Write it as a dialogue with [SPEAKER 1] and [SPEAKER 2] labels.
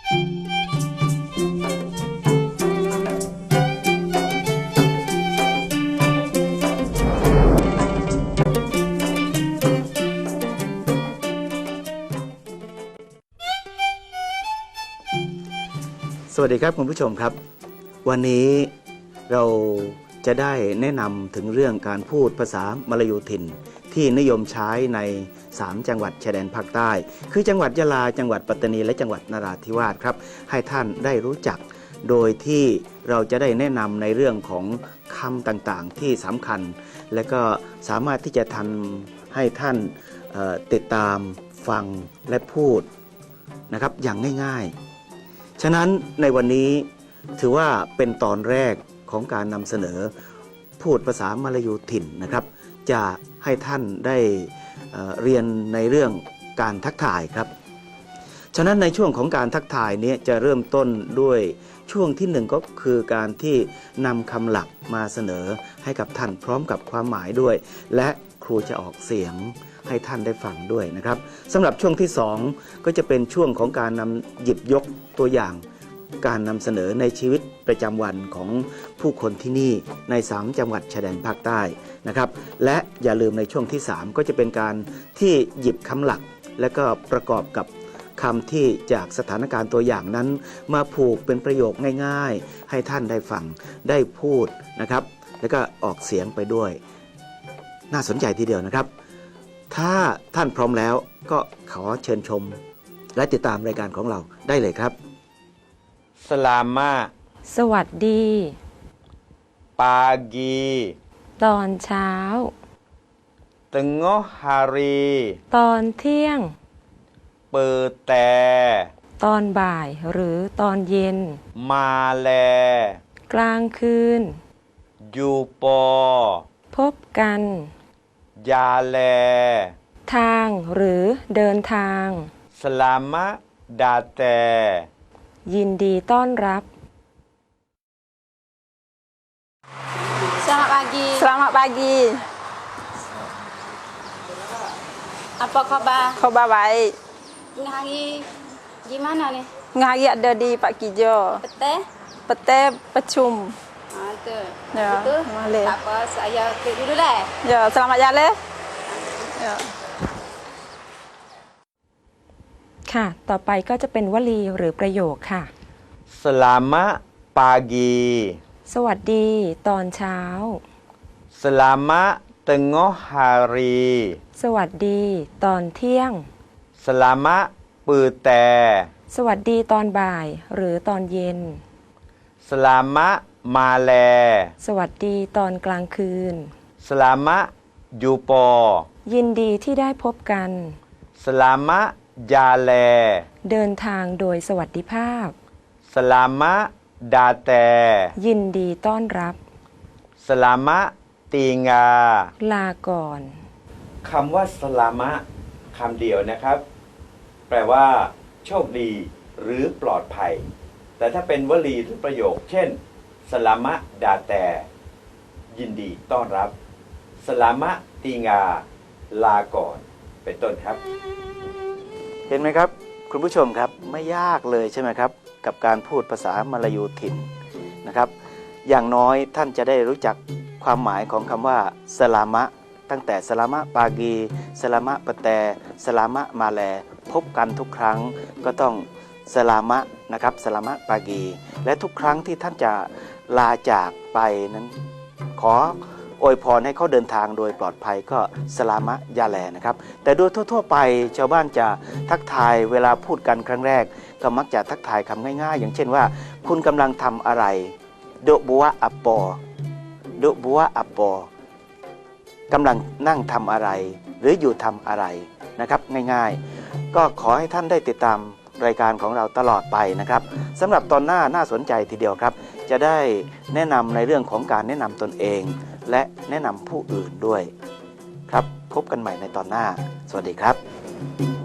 [SPEAKER 1] สวัสดีครับคุณผู้ชมครับวันนี้เราจะได้แนะนำถึงเรื่องการพูดภาษามลายูถิ่นที่นิยมใช้ใน3จังหวัดชายแดนภาคใต้คือจังหวัดยะลาจังหวัดปัตตานีและจังหวัดนราธิวาสครับให้ท่านได้รู้จักโดยที่เราจะได้แนะนำในเรื่องของคำต่างๆที่สำคัญและก็สามารถที่จะทำให้ท่านติดตามฟังและพูดนะครับอย่างง่ายๆฉะนั้นในวันนี้ถือว่าเป็นตอนแรกของการนำเสนอพูดภาษามลายูถิ่นนะครับจะให้ท่านได้เรียนในเรื่องการทักทายครับฉะนั้นในช่วงของการทักทายนี้จะเริ่มต้นด้วยช่วงที่1ก็คือการที่นำคำหลักมาเสนอให้กับท่านพร้อมกับความหมายด้วยและครูจะออกเสียงให้ท่านได้ฟังด้วยนะครับสำหรับช่วงที่2ก็จะเป็นช่วงของการนำหยิบยกตัวอย่างการนำเสนอในชีวิตประจำวันของผู้คนที่นี่ใน3จังหวัดชายแดนภาคใต้นะครับและอย่าลืมในช่วงที่3ก็จะเป็นการที่หยิบคำหลักและก็ประกอบกับคำที่จากสถานการณ์ตัวอย่างนั้นมาผูกเป็นประโยคง่ายๆให้ท่านได้ฟังได้พูดนะครับแล้วก็ออกเสียงไปด้วยน่าสนใจทีเดียวนะครับถ้าท่านพร้อมแล้วก็ขอเชิญชมและติดตามรายการของเราได้เลยครับ
[SPEAKER 2] สลามา
[SPEAKER 3] สวัสดี
[SPEAKER 2] ปากี
[SPEAKER 3] ตอนเช้า
[SPEAKER 2] ตึงอฮารี
[SPEAKER 3] ตอนเที่ยง
[SPEAKER 2] เปิดแต่
[SPEAKER 3] ตอนบ่ายหรือตอนเย็น
[SPEAKER 2] มาแล
[SPEAKER 3] กลางคืน
[SPEAKER 2] ยูปอ
[SPEAKER 3] พบกัน
[SPEAKER 2] ยาแล
[SPEAKER 3] ทางหรือเดินทาง
[SPEAKER 2] สลามะดาแต
[SPEAKER 3] ยินดีต้อนรับ
[SPEAKER 4] Selamat pagi.
[SPEAKER 5] Selamat pagi.
[SPEAKER 4] Apa khabar?
[SPEAKER 5] Khabar baik.
[SPEAKER 4] Tengah hari gimana nih?
[SPEAKER 5] Tengah hari ada di Pak Kijo.
[SPEAKER 4] Petang?
[SPEAKER 5] Petang percum.
[SPEAKER 4] Tu.
[SPEAKER 5] Ya,
[SPEAKER 4] betul.
[SPEAKER 5] Boleh.
[SPEAKER 4] Tak apa, saya klik dulu dah.
[SPEAKER 5] Ya, selamat jalan. Ya.
[SPEAKER 3] ค่ะต่อไปก็จะเป็นวลีหรือประโยคค่ะ
[SPEAKER 2] สลามะปากี
[SPEAKER 3] สวัสดีตอนเช้า
[SPEAKER 2] สลามะตึงอฮารี
[SPEAKER 3] สวัสดีตอนเที่ยง
[SPEAKER 2] สลามะปือแต่
[SPEAKER 3] สวัสดีตอนบ่ายหรือตอนเย็น
[SPEAKER 2] สลามะมาแล
[SPEAKER 3] สวัสดีตอนกลางคืน
[SPEAKER 2] สลามะยูปอ
[SPEAKER 3] ยินดีที่ได้พบกัน
[SPEAKER 2] สลามะยาแล
[SPEAKER 3] เดินทางโดยสวัสดิภาพ
[SPEAKER 2] สลามะดาแต
[SPEAKER 3] ยินดีต้อนรับ
[SPEAKER 2] สลามะตีงา
[SPEAKER 3] ลาก่อน
[SPEAKER 2] คำว่าสลามะคำเดียวนะครับแปลว่าโชคดีหรือปลอดภัยแต่ถ้าเป็นวลีหรือประโยคเช่นสลามะดาแตยินดีต้อนรับสลามะตีงาลาก่อนเป็นต้นครับ
[SPEAKER 1] เห็นไหมครับคุณผู้ชมครับไม่ยากเลยใช่ไหมครับกับการพูดภาษามลายูถิ่นนะครับอย่างน้อยท่านจะได้รู้จักความหมายของคำว่าสลามะตั้งแต่สลามะปากีสลามะปะแตสลามะมาแลพบกันทุกครั้งก็ต้องสลามะนะครับสลามะปากีและทุกครั้งที่ท่านจะลาจากไปนั้นขออวยพรให้เขาเดินทางโดยปลอดภัยก็สลามะยาแลนะครับแต่โดยทั่วๆไปชาวบ้านจะทักทายเวลาพูดกันครั้งแรกก็มักจะทักทายคำง่ายๆอย่างเช่นว่าคุณกำลังทำอะไรโดบัวอัปปอโดบัวอัปปอกำลังนั่งทำอะไรหรืออยู่ทำอะไรนะครับง่ายๆก็ขอให้ท่านได้ติดตามรายการของเราตลอดไปนะครับสำหรับตอนหน้าน่าสนใจทีเดียวครับจะได้แนะนำในเรื่องของการแนะนำตนเองและแนะนำผู้อื่นด้วยครับพบกันใหม่ในตอนหน้าสวัสดีครับ